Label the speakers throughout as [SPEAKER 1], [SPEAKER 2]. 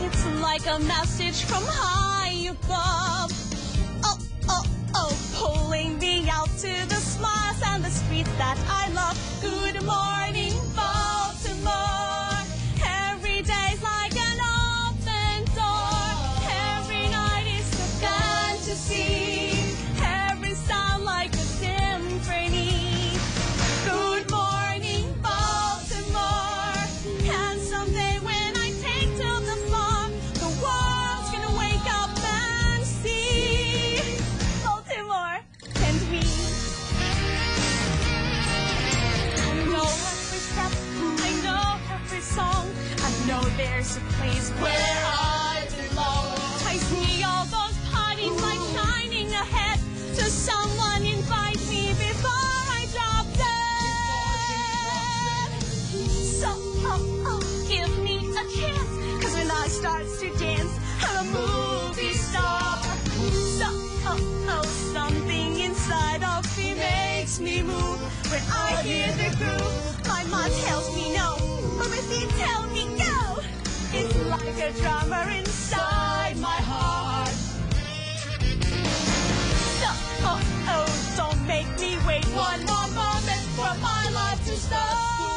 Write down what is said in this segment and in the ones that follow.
[SPEAKER 1] It's like a message from high above. Oh, oh, oh, pulling me out to the smiles and the streets that I love. Good morning, Baltimore. Every day's like an open door. Every night is a fantasy. Every sound like a symphony. Good morning, Baltimore. And someday when I take to the floor, the world's gonna wake up and see Baltimore and me. I know every step, I know every song. I know there's a place where I belong. Ties me all those parties like shining ahead. To someone invite me before I drop dead. So, give me a chance. 'Cause when I start to dance, I'm a movie star. So, something inside of me makes me move. When I hear the groove, my mind tells me no, but my feet tell me go. It's like a drummer inside my heart. So, don't make me wait one more moment for my life to start.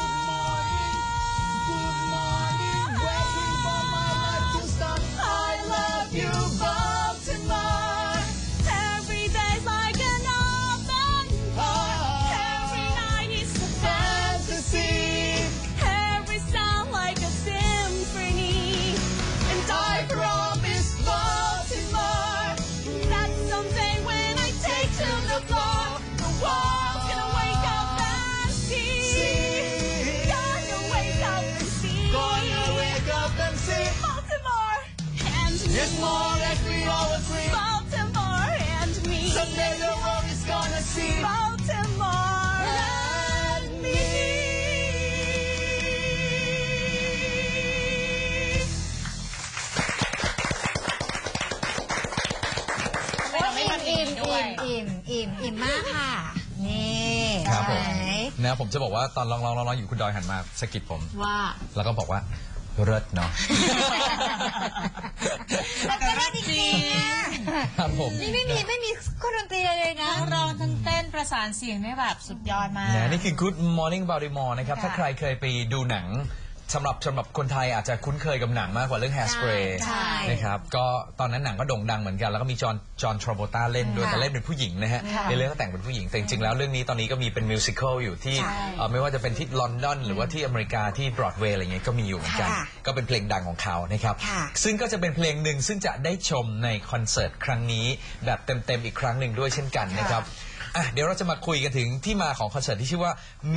[SPEAKER 2] Good morning, waiting for my life to start.
[SPEAKER 1] I love you, Baltimore. Every day's like an open door. Every night is a fantasy. Every sound like a symphony. And I promise Baltimore that someday when I take to the floor, the world's gonna wake up and see. Gonna wake up and see.
[SPEAKER 2] Gonna wake up and see.
[SPEAKER 1] Baltimore and me.
[SPEAKER 2] It's more like we all agree.
[SPEAKER 1] Baltimore and me.
[SPEAKER 2] Someday the world is gonna see.
[SPEAKER 1] Baltimore and me.
[SPEAKER 3] อิ่มมากค่ะนี่
[SPEAKER 4] ครับผม
[SPEAKER 3] ไหน
[SPEAKER 4] นะผมจะบอกว่าตอนร้องอยู่คุณดอยหันมาสะกิดผม
[SPEAKER 3] ว่า
[SPEAKER 4] แล้วก็บอกว่าเลิศเนาะ
[SPEAKER 3] แล้วก็ได้จริงๆอะ
[SPEAKER 4] ครับผม
[SPEAKER 3] นี่ไม่มีเครื่องดนตรีเลยนะ
[SPEAKER 5] ทั้งร้องทั้งเต้นประสานเสียงได้แบบสุดยอดมาก
[SPEAKER 4] นี่คือ Good Morning Baltimore นะครับ ถ้าใครเคยไปดูหนังสำหรับคนไทยอาจจะคุ้นเคยกับหนังมากกว่าเรื่อง Hairspray
[SPEAKER 3] ใช่
[SPEAKER 4] นะครับก็ตอนนั้นหนังก็โด่งดังเหมือนกันแล้วก็มีจอห์นทราโวต้าเล่นด้วยแต่เล่นเป็นผู้หญิงนะฮะในเรื่องก็แต่งเป็นผู้หญิงแต่จริงๆแล้วเรื่องนี้ตอนนี้ก็มีเป็นมิวสิควลอยู่ที่ไม่ว่าจะเป็นที่ลอนดอนหรือว่าที่อเมริกาที่บรอดเวย์อะไรเงี้ยก็มีอยู่เหมือนกันก็เป็นเพลงดังของเขานะครับซึ่งก็จะเป็นเพลงหนึ่งซึ่งจะได้ชมในคอนเสิร์ตครั้งนี้แบบเต็มๆอีกครั้งหนึ่งด้วยเช่นกันนะครับเดี๋ยวเราจะมาคุยกันถึงที่มาของคอนเสิร์ตที่ชื่อว่า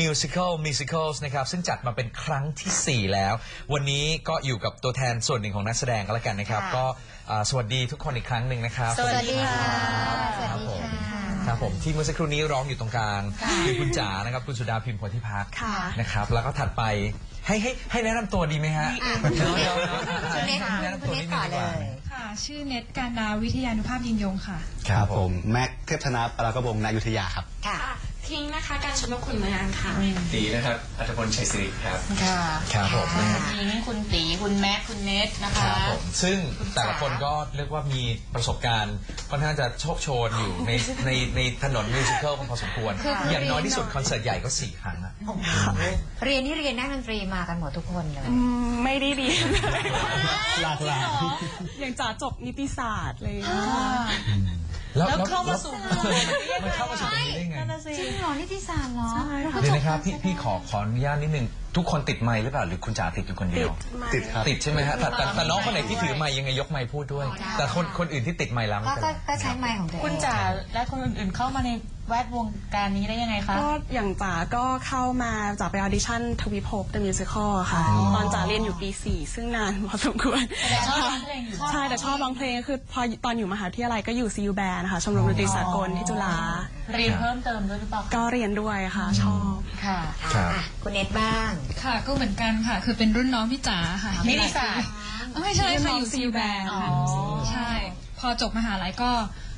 [SPEAKER 4] Musicals นะครับซึ่งจัดมาเป็นครั้งที่ 4 แล้ววันนี้ก็อยู่กับตัวแทนส่วนหนึ่งของนักแสดงก็แล้วกันนะครับก็สวัสดีทุกคนอีกครั้งหนึ่งนะครับ
[SPEAKER 3] สวัสดีค่ะ
[SPEAKER 4] ครับผมครับผมที่เมื่อสักครู่นี้ร้องอยู่ตรงกลางคือคุณจ๋านะครับคุณสุดาพิมพ์โพธิพักนะครับแล้วก็ถัดไปให้แนะนำตัวดีไหมฮะ
[SPEAKER 3] คุณเน็ตต่อเลย
[SPEAKER 6] ค่ะชื่อเน็ตการดาวิทยานุภาพยิงยงค่ะ
[SPEAKER 7] ครับผมแม็กเทพธนาปรากระบงนายุทธยาครับ
[SPEAKER 3] ค่ะ
[SPEAKER 8] ทิ้งนะคะการชมนุมขุนเมืองค่ะ
[SPEAKER 7] ตีนะครับอัธพลชัยศิริครับ
[SPEAKER 5] ค่ะ
[SPEAKER 4] ครับผม
[SPEAKER 5] คุณหญิงคุณตีคุณแม็กคุณเนทนะคะ
[SPEAKER 4] ครับผมซึ่งแต่ละคนก็เรียกว่ามีประสบการณ์ค่อนข้างจะโชคโชนอยู่ในถนนมิวสิควลพอสมควรอย่างน้อยที่สุดคอนเสิร์ตใหญ่ก็4 ครั้งอะ
[SPEAKER 3] เรียนนักดนตรีมากันหมดทุกคนเลย
[SPEAKER 1] ไม่ได้เรียน
[SPEAKER 7] หลากหลาย
[SPEAKER 1] อย่างจ๋าจบนิติศาสตร์เลย
[SPEAKER 5] แล้วเข้ามาสู่
[SPEAKER 4] มันเข้ามาสู่ตรงนี้ได้ไง
[SPEAKER 3] จริงเหรอนิติศาสตร์เหรอ
[SPEAKER 4] เดี๋ยวนะครับพี่ขออนุญาตนิดนึงทุกคนติดไมค์หรือเปล่าหรือคุณจ๋าติดอยู่คนเดียว
[SPEAKER 7] ติดครับ
[SPEAKER 4] ติดใช่ไหมฮะแต่น้องคนไหนที่ถือไมค์ยังไงยกไมค์พูดด้วย แต่คนอื่นที่ติดไมค์แล้วไม่เป็นไร
[SPEAKER 3] ก็ใช้ไมค์ของตัวเอง
[SPEAKER 5] คุณจ๋าและคนอื่นๆเข้ามาในแวดวงการนี้ได้ยังไงคะ
[SPEAKER 1] ก็อย่างจ๋าก็เข้ามาจ๋าไปออดิชั่นทวิภพ The Musical ค่ะตอนจ๋าเรียนอยู่ปี 4 ซึ่งนานพอสมควร
[SPEAKER 5] แต่ชอบร้องเพลงอยู่
[SPEAKER 1] ใช่แต่ชอบร้องเพลงคือพอตอนอยู่มหาวิทยาลัยก็อยู่ CU Band นะคะชมรมดนตรีสากลที่จุฬา
[SPEAKER 5] เรียนเพิ่มเติมด้วยหรือเปล่า
[SPEAKER 1] ก็เรียนด้วยค่ะชอบ
[SPEAKER 5] ค่ะ
[SPEAKER 4] ครับ
[SPEAKER 3] คุณเน็ตบ้าง
[SPEAKER 6] ค่ะก็เหมือนกันค่ะ คือเป็นรุ่นน้องพี่จ๋าค่ะ
[SPEAKER 5] นิติศาสตร์
[SPEAKER 6] ไม่ใช่ค่ะอยู่ซีแบน
[SPEAKER 5] อ๋อ
[SPEAKER 6] ใช่ พอจบมหาลัยก็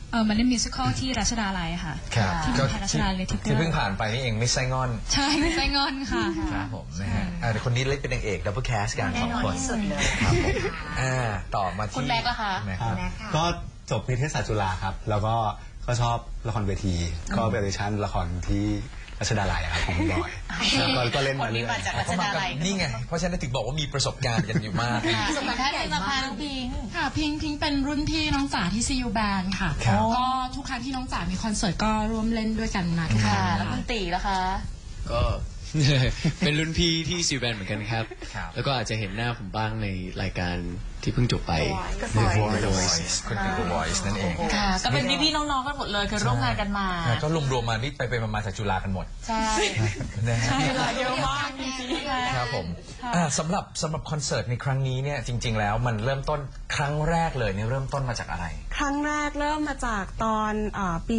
[SPEAKER 6] มาเล่นมิวสิควลที่รัชดาลัยค่ะ
[SPEAKER 4] ครับ
[SPEAKER 6] ที่มหารัชดาลัย
[SPEAKER 4] ที่เพิ่งผ่านไปนี่เองมิสไซงอน
[SPEAKER 6] ใช่ไม่ใช่งอนค่ะ
[SPEAKER 4] ครับผมนะฮะเดี๋ยวคนนี้เล่นเป็นนางเอกดับเบิลแคสกัน
[SPEAKER 3] แน่
[SPEAKER 4] สอง
[SPEAKER 3] นอน
[SPEAKER 4] คน
[SPEAKER 3] ที่สุดเลย
[SPEAKER 4] ครับผมต่อมาที่
[SPEAKER 5] คุณแม็กซ์ล่ะคะ
[SPEAKER 4] แม็กซ์
[SPEAKER 7] ครับ
[SPEAKER 3] แม็กซ์ค่ะ
[SPEAKER 7] ก็จบนิเทศศาสตร์จุฬาครับ แล้วก็ชอบละครเวที ก็เป็นออดิชั่นละครที่รัชดาลัยครับของคุณบอยแล้วก็เล่น
[SPEAKER 5] ค
[SPEAKER 7] มาน เรื่
[SPEAKER 5] นี้
[SPEAKER 7] อย
[SPEAKER 5] มาจากรัช
[SPEAKER 4] เขามา
[SPEAKER 5] ดา
[SPEAKER 4] กับ
[SPEAKER 5] ลัย
[SPEAKER 4] นี่ไงเพราะฉะนั้นถึงบอกว่ามีประสบการณ์กันอยู่มาก
[SPEAKER 5] ประสบการณ์ที่มาพาน้องพิง
[SPEAKER 8] ค่ะพิงเป็นรุ่นพี่น้องจ๋าที่ CU Band ค่ะ
[SPEAKER 4] ครับ
[SPEAKER 8] ก็ทุกครั้งที่น้องจ๋ามีคอนเสิร์ตก็ร่วมเล่นด้วยกันมาทุกค
[SPEAKER 5] ค่ะ
[SPEAKER 8] รั้ง
[SPEAKER 5] แล้วคุณตีล่ะคะ
[SPEAKER 9] ก็ เป็นรุ่นพี่ที่ซีแบนเหมือนกันครับ
[SPEAKER 4] ครับ
[SPEAKER 9] แล้วก็อาจจะเห็นหน้าผมบ้างในรายการที่เพิ่งจบไป
[SPEAKER 3] The
[SPEAKER 9] The
[SPEAKER 3] Voice
[SPEAKER 9] Voice
[SPEAKER 4] คุณคือ The Voice นั่นเอง
[SPEAKER 5] ค่ะ ก็เป็นพี่ๆน้องๆกันหมดเลยคือร่วมงานกันมา
[SPEAKER 4] ก็รวมๆมานี่ไปมาจากจุฬากันหมด
[SPEAKER 5] ใช่
[SPEAKER 4] นะฮะ
[SPEAKER 5] เยอะมากจริงๆ
[SPEAKER 4] ครับผมสำหรับคอนเสิร์ตในครั้งนี้เนี่ยจริง ๆ แล้วมันเริ่มต้นครั้งแรกเลยเนี่ยเริ่มต้นมาจากอะไร
[SPEAKER 1] ครั้งแรกเริ่มมาจากตอนปี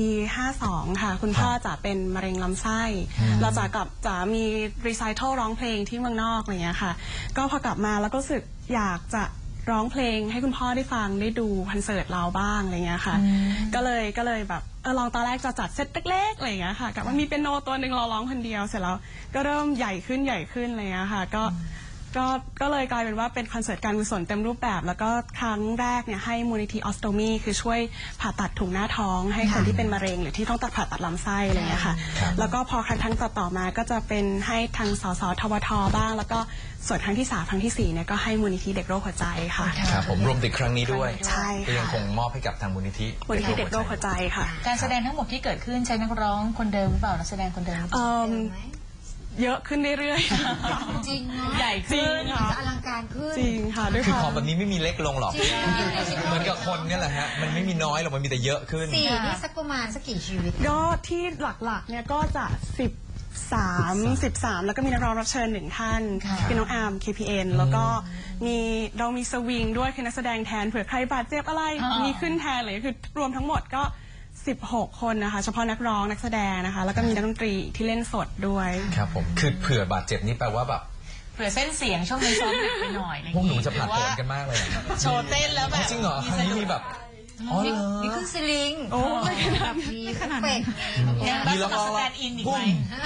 [SPEAKER 1] 52 ค่ะ คุณพ่อจะเป็นมะเร็งลำไส้เราจะมีรีไซเคิลร้องเพลงที่เมืองนอกอะไรเงี้ยค่ะ ก็พอกลับมาแล้วก็รู้สึกอยากจะร้องเพลงให้คุณพ่อได้ฟังได้ดูคอนเสิร์ตเราบ้างอะไรเงี้ยค่ะ ก็เลยแบบลองตอนแรกจะจัดเซตเล็กๆอะไรเงี้ยค่ะกับว่ามีเปียโนตัวหนึ่งเราร้องคนเดียวเสร็จแล้วก็เริ่มใหญ่ขึ้นอะไรเงี้ยค่ะก็เลยกลายเป็นว่าเป็นคอนเสิร์ตการกุศลเต็มรูปแบบ แล้วก็ครั้งแรกเนี่ยให้มูลนิธิออสโตมีคือช่วยผ่าตัดถุงหน้าท้องให้คนที่เป็นมะเร็งหรือที่ต้องตัดผ่าตัดลำไส้อะไรเงี้ยค่ะแล้วก็พอครั้งต่อมาก็จะเป็นให้ทางสสทวทบ้าง แล้วก็ส่วนครั้งที่3ครั้งที่4เนี่ยก็ให้มูลนิธิเด็กโรคหัวใจค่ะ
[SPEAKER 4] ครับผมรวมถึงครั้งนี้ด้วย
[SPEAKER 1] ใช่
[SPEAKER 4] ก็ยัง
[SPEAKER 1] ค่ะ
[SPEAKER 4] คงมอบให้กับทางมูลนิธิ
[SPEAKER 1] มูลนิธิเด็กโรคหัวใจค่ะ
[SPEAKER 5] การแสดงทั้งหมดที่เกิดขึ้นใช้นักร้องคนเดิมหรือเปล่านักแสดงคนเดิม
[SPEAKER 1] เยอะขึ้นเรื่อยๆ
[SPEAKER 3] จริงเนาะ
[SPEAKER 5] ใหญ่ขึ้น
[SPEAKER 3] จะอลังการขึ้น
[SPEAKER 1] จริงค่ะด้วย
[SPEAKER 4] คือ
[SPEAKER 1] ค
[SPEAKER 4] พ
[SPEAKER 1] วา
[SPEAKER 4] อ
[SPEAKER 1] ม
[SPEAKER 4] แบบนี้ไม่มีเล็กลงหรอก
[SPEAKER 3] จริง
[SPEAKER 4] เหมือนกับคนเนี่ยแหละฮะมันไม่มีน้อยหรอกมันมีแต่เยอะขึ้น
[SPEAKER 3] สี่นี่สักประมาณสักกี่ชีวิต
[SPEAKER 1] ก็ที่หลักๆเนี่ยก็จะ13 แล้วก็มีนักร้องรับเชิญ1ท่านคือน้องอาร์ม KPN แล้วก็เรามีสวิงด้วยคือนักแสดงแทนเผื่อใครบาดเจ็บอะไรมีขึ้นแทนเลยคือรวมทั้งหมดก็16 คนนะคะเฉพาะนักร้องนักแสดงนะคะแล้วก็มีนักดนตรีที่เล่นสดด้วย
[SPEAKER 4] ครับผมคือเผื่อบาดเจ็บนี่แปลว่าแบบ
[SPEAKER 5] เผื่อเส้นเสียงช่วงนี้ซ้อมหนักไปหน่อยอะไรอย่า
[SPEAKER 4] พวก
[SPEAKER 5] ง
[SPEAKER 4] หนู
[SPEAKER 5] งี้
[SPEAKER 4] จะผ่าน
[SPEAKER 5] หรือ
[SPEAKER 4] ผ
[SPEAKER 5] ว่า
[SPEAKER 4] ลกันมากเลย
[SPEAKER 5] โชว์เต้นแล้วแบบ
[SPEAKER 4] จริงเหรอครั้งนี้มีแบบอ๋อเหรอ
[SPEAKER 3] นี่คือสลิง
[SPEAKER 1] โอ้ย
[SPEAKER 3] แบบมีขนาดเป็ด
[SPEAKER 5] ยังได้สมัครสแตนด์อินอีกไหม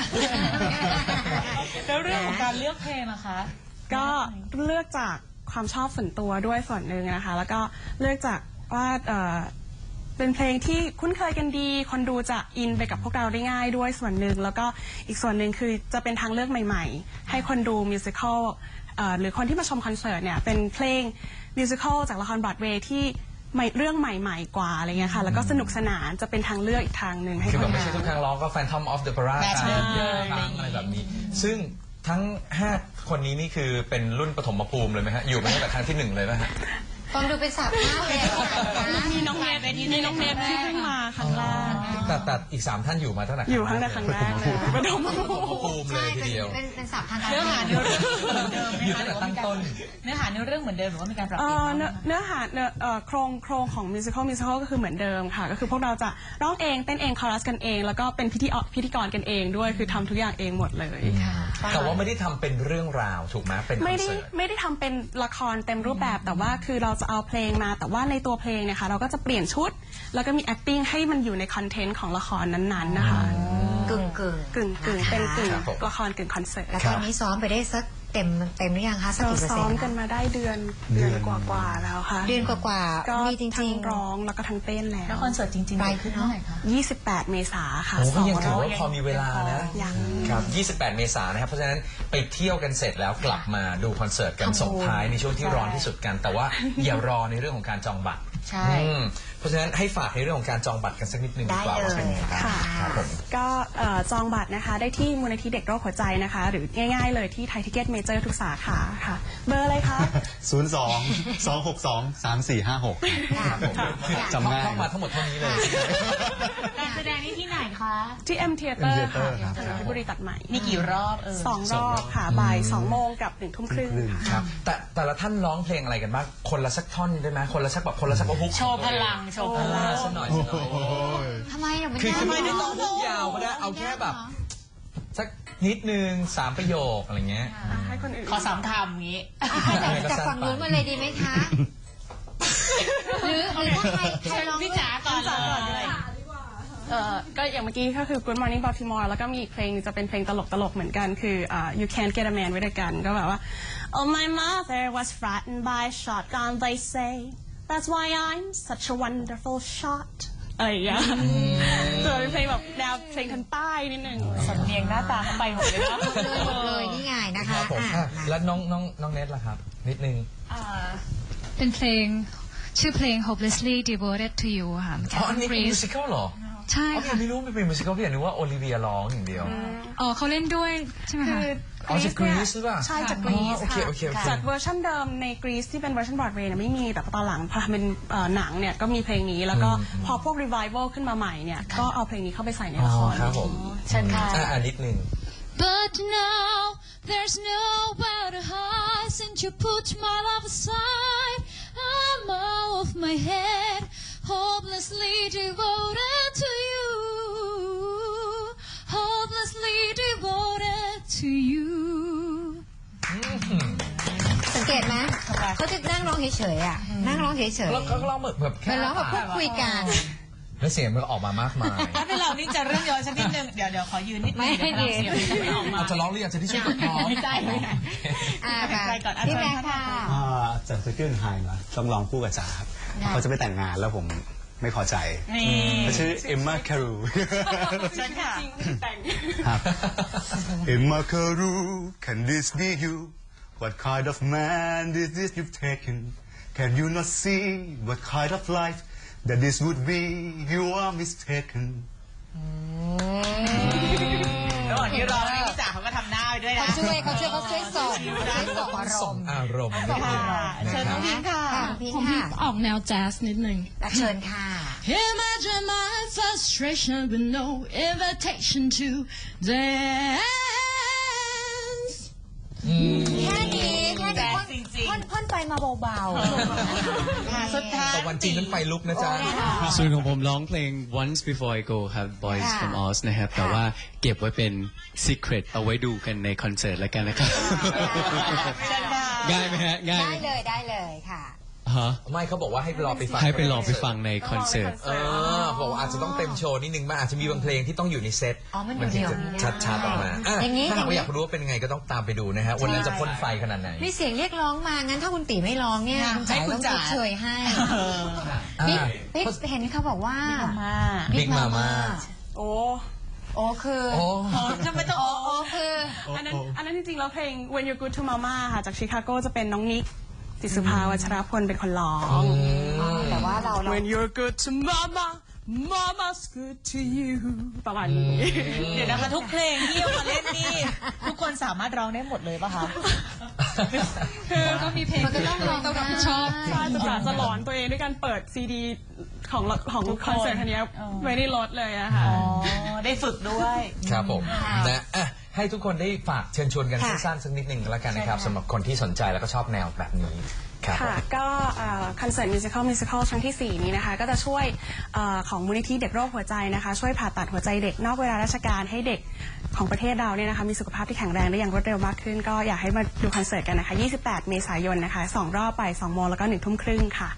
[SPEAKER 5] แล้วเรื่องของการเลือกเพลงนะคะ
[SPEAKER 1] ก็เลือกจากความชอบส่วนตัวด้วยส่วนหนึ่งนะคะแล้วก็เลือกจากว่าเป็นเพลงที่คุ้นเคยกันดีคนดูจะอินไปกับพวกเราได้ง่ายด้วยส่วนหนึ่งแล้วก็อีกส่วนหนึ่งคือจะเป็นทางเลือกใหม่ๆให้คนดูมิวสิควลหรือคนที่มาชมคอนเสิร์ตเนี่ยเป็นเพลงมิวสิควลจากละครบรอดเวย์ที่เรื่องใหม่ๆกว่าอะไรเงี้ยค่ะแล้วก็สนุกสนานจะเป็นทางเลือกอีกทางหนึ่งให้
[SPEAKER 4] คือ
[SPEAKER 1] ค
[SPEAKER 4] แบบ
[SPEAKER 1] น
[SPEAKER 4] ไม่ใช่ทุกครั้งร้องก็ Phantom of the Opera
[SPEAKER 5] ใช่
[SPEAKER 4] เยอะครั้งอะไรแบบนี้ ซึ่งทั้ง5คนนี้นี่คือเป็นรุ่นปฐมภูมิเลยไหมฮะอยู่มาตั้งแต่ครั้งที่1เลยไหมฮะ
[SPEAKER 3] ฟังดูเป็นสาวข้าวเลยนะ
[SPEAKER 1] มีน้องเนฟที่เพิ่งมาครั้งแรก
[SPEAKER 4] แต่อีก3ท่านอยู่มาตั้งแต่
[SPEAKER 1] อยู่ครั้งแรกเลยปฐม
[SPEAKER 4] ปฐมภูมิเลยทีเดียว
[SPEAKER 3] เป็นสาวทางการ
[SPEAKER 5] เนื้อหาเนื้อเรื่องเหมือนเดิมไหม
[SPEAKER 4] อยู่
[SPEAKER 5] คะ
[SPEAKER 4] ตั้งแต่ตั้งต้น
[SPEAKER 5] เนื้อหาเนื้อเรื่องเหมือนเดิมหรือว่ามีการปรับเปลี่ยนบ้างไหมคะ
[SPEAKER 1] เนื้อหาโครงของมิวสิควลก็คือเหมือนเดิมค่ะก็คือพวกเราจะร้องเองเต้นเองคอรัสกันเองแล้วก็เป็นพิธีกรกันเองด้วยคือทำทุกอย่างเองหมดเลย
[SPEAKER 4] แต่ว่าไม่ได้ทำเป็นเรื่องราวถูกไหมเป็นคอน
[SPEAKER 1] ไม่
[SPEAKER 4] เสิร์ต
[SPEAKER 1] ได้ทำเป็นละครเต็มรูปแบบแต่ว่าคือเราจะเอาเพลงมาแต่ว่าในตัวเพลงเนี่ยค่ะเราก็จะเปลี่ยนชุด แล้วก็มี acting ให้มันอยู่ในคอนเทนต์ของละครนั้นๆนะคะ
[SPEAKER 3] กึ่ง
[SPEAKER 1] เป็นกึ่ง
[SPEAKER 4] ครับผม
[SPEAKER 1] ละครกึ่งคอนเสิร์ต
[SPEAKER 3] แล้วตอนนี้ซ้อมไปได้สักเต็มหรือยังคะสัก
[SPEAKER 1] เรา
[SPEAKER 3] กี่เปอร์
[SPEAKER 1] ซ้
[SPEAKER 3] เซ็
[SPEAKER 1] อน ม
[SPEAKER 3] ต์
[SPEAKER 1] กันมาได้เดือนกว่าๆแล้วค่ะ
[SPEAKER 3] เดือนกว่า
[SPEAKER 1] ก็
[SPEAKER 3] ๆมีจ
[SPEAKER 1] ทั้
[SPEAKER 3] ริ
[SPEAKER 1] ง
[SPEAKER 3] ง
[SPEAKER 1] ร้องแล้วก็ทั้งเต้นแล้
[SPEAKER 5] แล้ว
[SPEAKER 1] ว
[SPEAKER 5] คอนเสิร์ตจริงๆ
[SPEAKER 3] ไป
[SPEAKER 5] เกิดขึ้นเมื่อไหร่คะ
[SPEAKER 1] 28 เมษาค่ะ
[SPEAKER 4] โอ้ก็ยัง
[SPEAKER 1] 2
[SPEAKER 4] ถือ
[SPEAKER 1] รอบ
[SPEAKER 4] ว่าพอมีเวลานะ
[SPEAKER 1] ยัง
[SPEAKER 4] ครับ 28 เมษายนนะครับ เพราะฉะนั้นไปเที่ยวกันเสร็จแล้วกลับมาดูคอนเสิร์ตกันส่งท้ายในช่วงที่ร้อนที่สุดกัน แต่ว่าอย่ารอในเรื่องของการจองบัตร
[SPEAKER 5] ใช่
[SPEAKER 4] เพราะฉะนั้นให้ฝากในเรื่องของการจองบัตรกันสักนิดนึงดีกว่าว่าเป็นยังไงบ้าง
[SPEAKER 1] ค่ะ
[SPEAKER 4] ครับผม
[SPEAKER 1] ก็จองบัตรนะคะได้ที่มูลนิธิเด็กโรคหัวใจนะคะ หรือง่ายๆเลยที่ไทยทิเก็ตเมเจอร์ทุกสาขาค่ะ เบอร์อะไรคะ
[SPEAKER 7] 02-262-3456
[SPEAKER 4] ครับผมคือ
[SPEAKER 7] จำง่าย
[SPEAKER 4] ท่องมาทั้งหมดเท่านี้เลย
[SPEAKER 5] การแสดงนี่ที่ไหนคะ
[SPEAKER 1] ที่ M Theater ค่ะ
[SPEAKER 7] ครับ
[SPEAKER 1] ถนนเพชรบุรีตัดใหม่
[SPEAKER 5] มีกี่รอบ
[SPEAKER 1] 2 รอบค่ะบ่าย2 โมงกับ1 ทุ่มครึ่งค่ะ
[SPEAKER 4] ครับแต่ละท่านร้องเพลงอะไรกันบ้างคนละสักท่อนได้ไหมคนละสักฮุก
[SPEAKER 5] โชว์พลังโชว์พลัง
[SPEAKER 4] สักหน่อย
[SPEAKER 3] ทำไมอ่ะมัน
[SPEAKER 4] คือ
[SPEAKER 3] ยาก
[SPEAKER 4] ไม่ได้ต้องฮุกยาวก็ได้เอาแค่แบบสักนิดนึง3 ประโยคอะไรเงี้ย
[SPEAKER 1] ให้คนอื่น
[SPEAKER 5] ขอ3 คำอย่างนี้
[SPEAKER 3] จากฝั่งนู้นมาเลยดีไหมคะหรือถ้าใครร้อง
[SPEAKER 5] พี่จ๋าก่อนเลย
[SPEAKER 10] ก็อย่างเมื่อกี้ก็คือ Good Morning Baltimore แล้วก็มีอีกเพลงจะเป็นเพลงตลกเหมือนกันคือ You Can't Get a Man with a Gun ก็แบบว่า Oh my mother was frightened by a shotgun they say That's why I'm such a wonderful shot อะไรอย่างเงี้ยตัวเป็นเพลงแบบแนวเพลงทางใต้นิดนึง
[SPEAKER 5] สำเนียงหน้าตาเขาไปหมดเลยนะ
[SPEAKER 3] เลยนี่ไงนะ
[SPEAKER 4] ค
[SPEAKER 3] คะ
[SPEAKER 4] รับผมแล้วน้องเนทล่ะครับ นิดนึง
[SPEAKER 6] เป็นเพลงชื่อเพลง Hopelessly Devoted to You ค่ะ
[SPEAKER 4] อ๋ออันนี้เป็นมิวสิควลเหรอ
[SPEAKER 6] ใช่
[SPEAKER 4] อ๋อ
[SPEAKER 6] ค่ะ
[SPEAKER 4] ไม่รู้ไม่เป็นมิวสิควลพี่อยากนึกว่าโอลิเวียร้องอย่างเดียว
[SPEAKER 6] อ๋อเขาเล่นด้วยใช่ไหมคะ
[SPEAKER 4] อ๋อจากกรีซหรือเปล่า
[SPEAKER 10] ใช่จากกรีซ
[SPEAKER 4] โอเค
[SPEAKER 10] ค่ะ
[SPEAKER 4] โอเค
[SPEAKER 10] จากเวอร์ชันเดิมในกรีซที่เป็นเวอร์ชันบรอดเวย์เนี่ยไม่มีแต่ตอนหลังพอทำเป็นหนังเนี่ยก็มีเพลงนี้แล้วก็พอพวกรีไววัลขึ้นมาใหม่เนี่ยก็เอาเพลงนี้เข้าไปใส่ในละคร
[SPEAKER 4] ครับผม
[SPEAKER 10] เชิญค่ะ
[SPEAKER 4] นิดนึง
[SPEAKER 6] But now there's nowhere to hide since you put my love aside. I'm out of my head, hopelessly devoted to you, hopelessly devoted to you.
[SPEAKER 3] สังเกตไหมเขาจะนั่งร้องเฉยๆอ่ะนั่งร้องเฉยๆ
[SPEAKER 4] แล้วก็ร้องแบบแค่
[SPEAKER 3] เป็นร้องแบบพูดคุยกัน
[SPEAKER 4] แล้วเสียงมันออกมามากมาย
[SPEAKER 5] ถ้าเป็นเรานี่จะเรื่องย้อนสักนิดนึงเดี๋ยวขอยืนนิดนึง
[SPEAKER 3] ไม่
[SPEAKER 5] เดี๋ยวพลังเสียงจะไม่ออกมา
[SPEAKER 4] อาจจะร้องหรืออยากจะที่ช่วยกับร้อง
[SPEAKER 5] ไม่ใช่ไม่ใช่
[SPEAKER 3] ไปพี่แม็กค่ะ
[SPEAKER 7] จากสกิลไฮมาต้องร้องคู่กับจ๋าครับเขาจะไปแต่งงานแล้วผมไม่พอใจ
[SPEAKER 5] นี่
[SPEAKER 7] เขาชื่อเอมมาคารู
[SPEAKER 5] เชิญค่ะ
[SPEAKER 7] ครับ Emma Carew, can this be you? What kind of man is this you've taken? Can you not see what kind of life that this would be? You are mistaken.
[SPEAKER 5] ระหว่างที่รอพี่จ๋าเขาก็ทำหน้าไปด้วยนะ
[SPEAKER 3] เขาช่วยส่งอาร
[SPEAKER 4] ส่ง
[SPEAKER 3] มณ์
[SPEAKER 4] อารมณ์นิดนึง
[SPEAKER 5] เชิญน้องพิงค่ะ
[SPEAKER 3] พี่
[SPEAKER 8] ผม
[SPEAKER 3] ค่ะ
[SPEAKER 8] ออกแนวแจ๊สนิดนึง
[SPEAKER 3] เชิญค่ะ
[SPEAKER 8] Imagine my frustration with no invitation to dance.
[SPEAKER 3] แค่นี้
[SPEAKER 5] แจ๊สจริงๆ
[SPEAKER 3] พ่นไปมาเบาๆ
[SPEAKER 5] สุดท้าย
[SPEAKER 4] แต่วันจริงนั้นไฟลุกนะจ๊ะ
[SPEAKER 9] ส่วนของผมร้องเพลง Once Before I Go ครับ Boys
[SPEAKER 3] ค่ะ
[SPEAKER 9] from Oz นะครับ แต่ว่าเก็บไว้เป็น secret เอาไว้ดูกันในคอนเสิร์ตแล้วกันนะครับ
[SPEAKER 5] เชิญค่ะ
[SPEAKER 9] ง่ายไหมฮะ ง่ายไหม
[SPEAKER 3] ได้เลยค่ะ
[SPEAKER 9] ฮะ
[SPEAKER 4] ไม่เขาบอกว่าให้รอไปฟัง
[SPEAKER 9] ให้ไปรอไปฟังในคอนเสิร์ต
[SPEAKER 4] บอกว่าอาจจะต้องเต็มโชว์นิดนึงมันอาจจะมีบางเพลงที่ต้องอยู่ในเซต
[SPEAKER 3] อ๋อมัน
[SPEAKER 4] ถึง
[SPEAKER 3] เดี่ยว
[SPEAKER 4] จะ
[SPEAKER 3] ๆไม่ได้
[SPEAKER 4] ชัดๆออกมา
[SPEAKER 3] อย่างนี้
[SPEAKER 4] ถ้าหากว่าอยากรู้ว่าเป็นยังไงก็ต้องตามไปดูนะฮะวันนั้นจะพ่นไฟขนาดไหน
[SPEAKER 3] มีเสียงเรียกร้องมางั้นถ้าคุณตีไม่ร้องเนี่ย
[SPEAKER 5] ให้
[SPEAKER 3] คุณจ๋า
[SPEAKER 5] คุณ
[SPEAKER 3] ต้อง
[SPEAKER 5] จ๋า
[SPEAKER 3] ชดเชยให้
[SPEAKER 4] อ่า
[SPEAKER 3] บิ๊กเห็นเขาบอกว่า
[SPEAKER 5] มา
[SPEAKER 4] Big Mama
[SPEAKER 10] โอ้
[SPEAKER 3] โอ้คือ
[SPEAKER 4] โอ้
[SPEAKER 5] ทำไมต้องโอ้
[SPEAKER 3] คือ
[SPEAKER 10] อันนั้นจริงๆแล้วเพลง When You're Good to Mama ค่ะจากชิคาโกจะเป็นน้องนิกติสุภาวัชรพลเป็นคนร้อง
[SPEAKER 3] แต่ว่าเรา
[SPEAKER 10] When you're good to mama mama's good to you ประมาณนี้
[SPEAKER 5] เดี๋ยวนะคะทุกเพลงที่เอามาเล่นนี่ทุกคนสามารถร้องได้หมดเลยป่ะคะ
[SPEAKER 6] ก็มีเพลง
[SPEAKER 3] มันก็ต้องร้อง
[SPEAKER 6] ต้องรับผิดชอบ
[SPEAKER 10] ใช่จะหลอนตัวเองด้วยการเปิดซีดีของคอนเสิร์ตคันนี้ไว้ในรถเลยอะค่ะ
[SPEAKER 5] อ๋อ ได้ฝึกด้วย
[SPEAKER 4] ครับผมนะให้ทุกคนได้ฝากเชิญชวนกันสั้นๆสักนิดหนึ่งแล้วกันนะครับสำหรับคนที่สนใจแล้วก็ชอบแนวแบบนี้ครับ
[SPEAKER 10] ค่ะก็คอนเสิร์ตมิวสิคอลครั้งที่ 4 นี้นะคะก็จะช่วยของมูลนิธิเด็กโรคหัวใจนะคะช่วยผ่าตัดหัวใจเด็กนอกเวลาราชการให้เด็กของประเทศเราเนี่ยนะคะมีสุขภาพที่แข็งแรงได้อย่างรวดเร็วมากขึ้นก็อยากให้มาดูคอนเสิร์ตกันนะคะ28 เมษายนนะคะ2 รอบไป2 โมงแล้วก็1 ทุ่มครึ่งค่ะ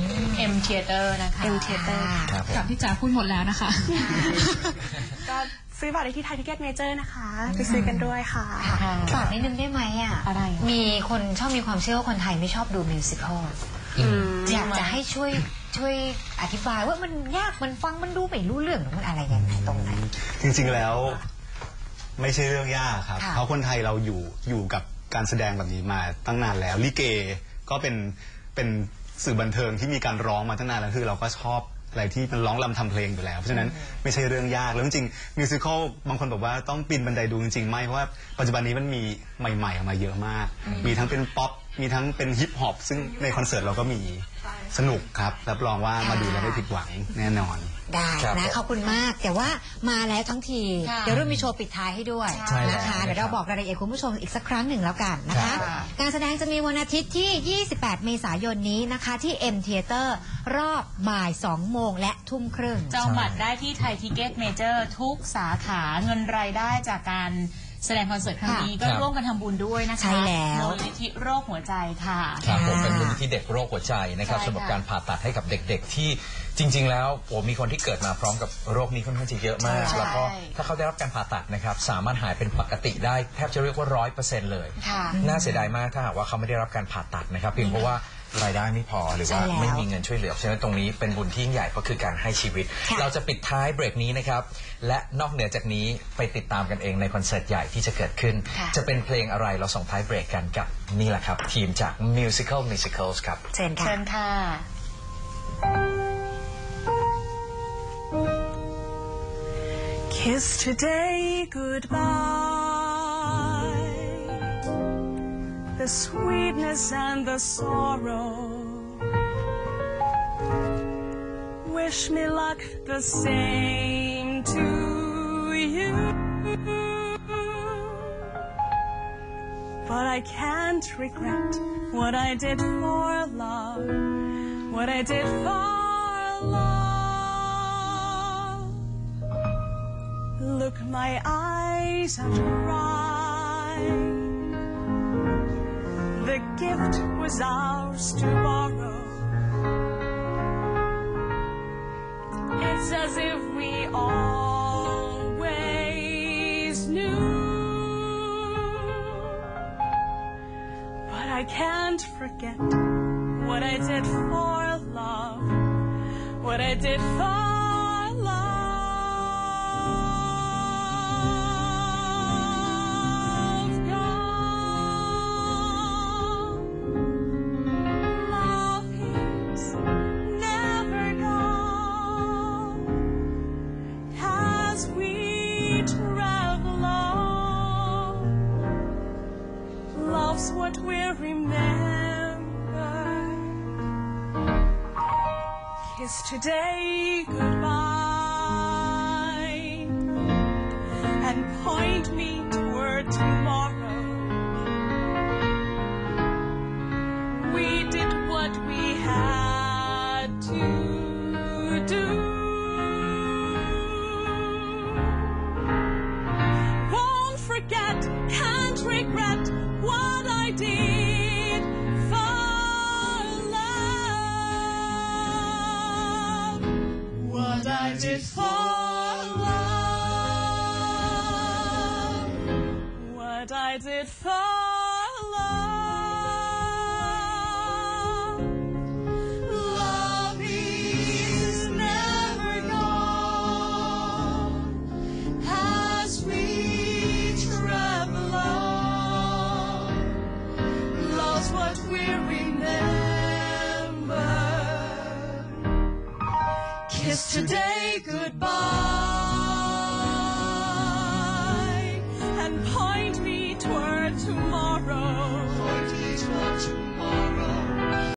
[SPEAKER 5] M Theater นะคะ
[SPEAKER 10] M Theater
[SPEAKER 4] ครับผม
[SPEAKER 8] กับพี่จ๋าพูดหมดแล้วนะคะ
[SPEAKER 10] ก็ซื้อบัตรได้ที่ไทยทิเก็ตเมเจอร์นะคะไปซื้อกันด้วยค่ะ
[SPEAKER 3] ฝากนิดนึงได้ไหมอ่ะ
[SPEAKER 5] อะไร
[SPEAKER 3] มีคนชอบมีความเชื่อว่าคนไทยไม่ชอบดูมิวสิควลอยากจะให้ช่วยอธิบายว่ามันยากมันฟังมันดูไม่รู้เรื่องหรือมันอะไรยังไงตรงไหน
[SPEAKER 7] จริงๆแล้วไม่ใช่เรื่องยากครับ
[SPEAKER 3] ค่ะ
[SPEAKER 7] เพราะคนไทยเราอยู่กับการแสดงแบบนี้มาตั้งนานแล้วลิเกก็เป็นสื่อบันเทิงที่มีการร้องมาตั้งนานแล้วคือเราก็ชอบอะไรที่มันร้องรำทำเพลงอยู่แล้วเพราะฉะนั้นไม่ใช่เรื่องยากแล้วจริงๆมิวสิควลบางคนบอกว่าต้องปีนบันไดดูจริงๆไม่เพราะว่าปัจจุบันนี้มันมีใหม่ๆออกมาเยอะมาก มีทั้งเป็นป๊อปมีทั้งเป็นฮิปฮอปซึ่งในคอนเสิร์ตเราก็มีสนุกครับรับรองว่ามาดูแล้วไม่ผิดหวังแน่นอน
[SPEAKER 3] ได้
[SPEAKER 4] ครับ
[SPEAKER 3] นะขอบคุณมากแต่ว่ามาแล้วทั้งที
[SPEAKER 5] ค่ะ
[SPEAKER 3] เดี๋ยวเรามีโชว์ปิดท้ายให้ด้วย
[SPEAKER 4] ใช่แล้ว
[SPEAKER 3] นะคะเดี๋ยวเราบอกรายละเอียดคุณผู้ชมอีกสักครั้งหนึ่งแล้วกันนะคะ
[SPEAKER 5] ค่ะ
[SPEAKER 3] การแสดงจะมีวันอาทิตย์ที่ 28 เมษายนนี้นะคะที่ M Theater รอบบ่าย 2 โมงและทุ่มครึ่ง
[SPEAKER 5] จองบัตรได้ที่ไทยทิเก็ตเมเจอร์ทุกสาขาเงินรายได้จากการแสดงคอนเสิร์ตครั้งนี้ก็
[SPEAKER 4] ครับ
[SPEAKER 5] ร่วมกันทำบุญด้วยนะคะ
[SPEAKER 3] ใช่แล้ว
[SPEAKER 5] มูลนิธิโรคหัวใจค่ะ
[SPEAKER 4] ครับผมเป็นมูลนิธิเด็กโรคหัวใจนะครับ
[SPEAKER 5] ใช่ค่ะ
[SPEAKER 4] สำหรับการผ่าตัดให้กับเด็กๆที่จริง ๆ แล้วมีคนที่เกิดมาพร้อมกับโรคนี้ค่อนข้างจะเยอะมาก
[SPEAKER 5] ใช่
[SPEAKER 4] แล้วก็ถ้าเขาได้รับการผ่าตัดนะครับสามารถหายเป็นปกติได้แทบจะเรียกว่า 100% เลย
[SPEAKER 3] ค่ะ
[SPEAKER 4] น่าเสียดายมากถ้าหากว่าเขาไม่ได้รับการผ่าตัดนะครับเพียงเพราะว่ารายได้ไม่พอหรือว่า
[SPEAKER 3] ใช่แล้ว
[SPEAKER 4] ไม่มีเงินช่วยเหลือฉะนั้นตรงนี้เป็นบุญที่ยิ่งใหญ่ก็คือการให้ชีวิต
[SPEAKER 3] ค่ะ
[SPEAKER 4] เราจะปิดท้ายเบรกนี้นะครับและนอกเหนือจากนี้ไปติดตามกันเองในคอนเสิร์ตใหญ่ที่จะเกิดขึ้น จะเป็นเพลงอะไรเราส่งท้ายเบรกกันกับนี่แหละครับทีมจาก Musicals ครับ
[SPEAKER 3] เชิญค่ะ
[SPEAKER 5] เชิญค่ะ
[SPEAKER 1] Kiss today goodbye, the sweetness and the sorrow. Wish me luck the same to you. But I can't regret what I did for love, what I did for love. Look, my eyes are dry. The gift was ours to borrow. It's as if we always knew. But I can't forget what I did for love, what I did for love. Gone. Love is never gone as we travel on. Love's what we remember. Kiss today goodbye and point me toward tomorrow. We did what we had to do. Won't forget, can't regret what I did for love. What I did for love. What I did for love. Love is never gone as we travel on. Love's what we remember. Kiss today goodbye